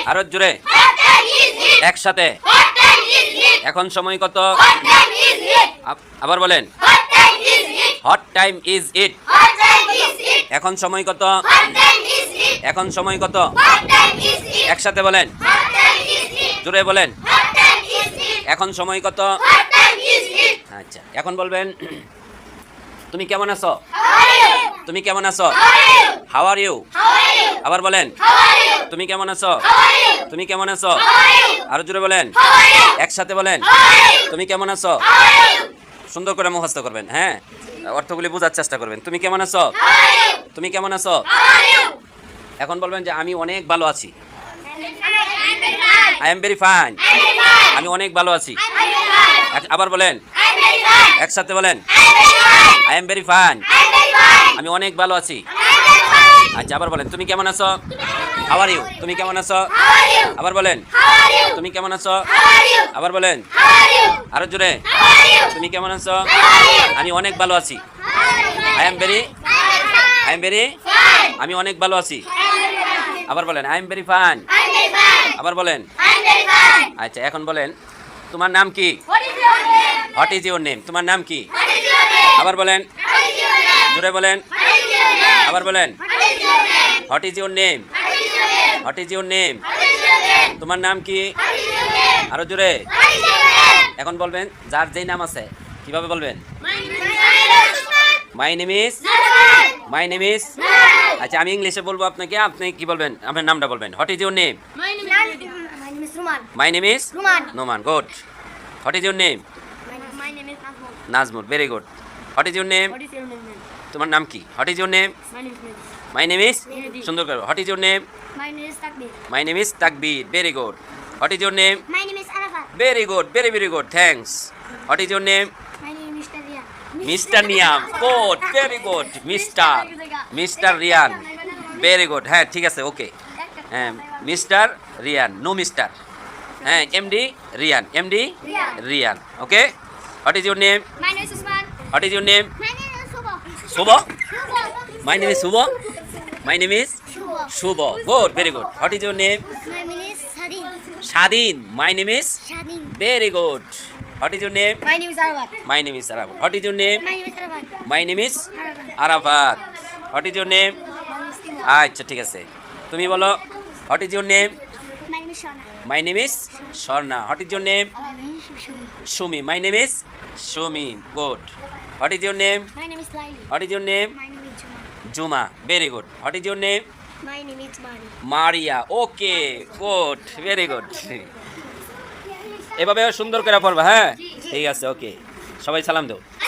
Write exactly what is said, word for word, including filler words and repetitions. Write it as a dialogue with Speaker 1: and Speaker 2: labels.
Speaker 1: আরো জোরে একসাথে এখন সময় কত আবার বলেন হট টাইম ইজ ইট এখন সময় কত এখন সময় কত একসাথে বলেন জোরে বলেন এখন সময় কত আচ্ছা এখন বলবেন তুমি কেমন আছো তুমি কেমন আছো হাউ আর ইউ আবার বলেন তুমি কেমন আছো তুমি কেমন আছো আরো জোরে বলেন একসাথে বলেন তুমি কেমন আছো সুন্দর করে মুখস্থ করবেন হ্যাঁ অর্থগুলি বোঝার চেষ্টা করবেন তুমি কেমন আছো তুমি কেমন আছো এখন বলবেন যে আমি অনেক ভালো আছি আই এম ভেরি ফাইন আমি অনেক ভালো আছি আবার বলেন একসাথে বলেন আই এম ভেরি ফাইন আমি অনেক ভালো আছি আচ্ছা আবার বলেন তুমি কেমন আছো হাউ আর ইউ তুমি কেমন আছো আবার বলেন তুমি কেমন আছো আবার বলেন আরো জোরে তুমি কেমন আছো আমি অনেক ভালো আছি I am very I am very আমি অনেক ভালো আছি আবার বলেন আই এম ভেরি ফাইন আবার বলেন আচ্ছা এখন বলেন তোমার নাম কি হোয়াট ইজ ইউর নেম তোমার নাম কি আবার বলেন জোরে বলেন আবার বলেন what is your name what is your name তোমার নাম কি আরো জোরে এখন বলবেন যার যেই নাম আছে কিভাবে বলবেন my name is my name is আচ্ছা আমি ইংলিশে বলবো আপনাকে আপনি কি বলবেন আপনার নামটা বলবেন what is your name my name is Noman good what is your name Nazmul very good what is your name তোমার নাম কি what is your name my name is সুন্দর করে what is your name my name is Takbir very good what is your name very good very very good thanks what is your name mister Niyam good very good mister mister Riyan very good হ্যাঁ ঠিক আছে okay হ্যাঁ mister Riyan no mister হ্যাঁ MD Riyan MD Riyan okay what is your name what is your name Shubho my name is Shubho my name is Shubho good very good what is your name Swadhin my name is very good what is your name my name is Arafat what is your name my name is Arafat what is your name আচ্ছা ঠিক আছে তুমি বলো what is your name my name is Swarna what is your name Sumi my name is Sumi good what is your name what is your name Juma very good what is your name Maria okay good very good এভাবে সুন্দর করে পড়বা হ্যাঁ ঠিক আছে ওকে সবাই সালাম দাও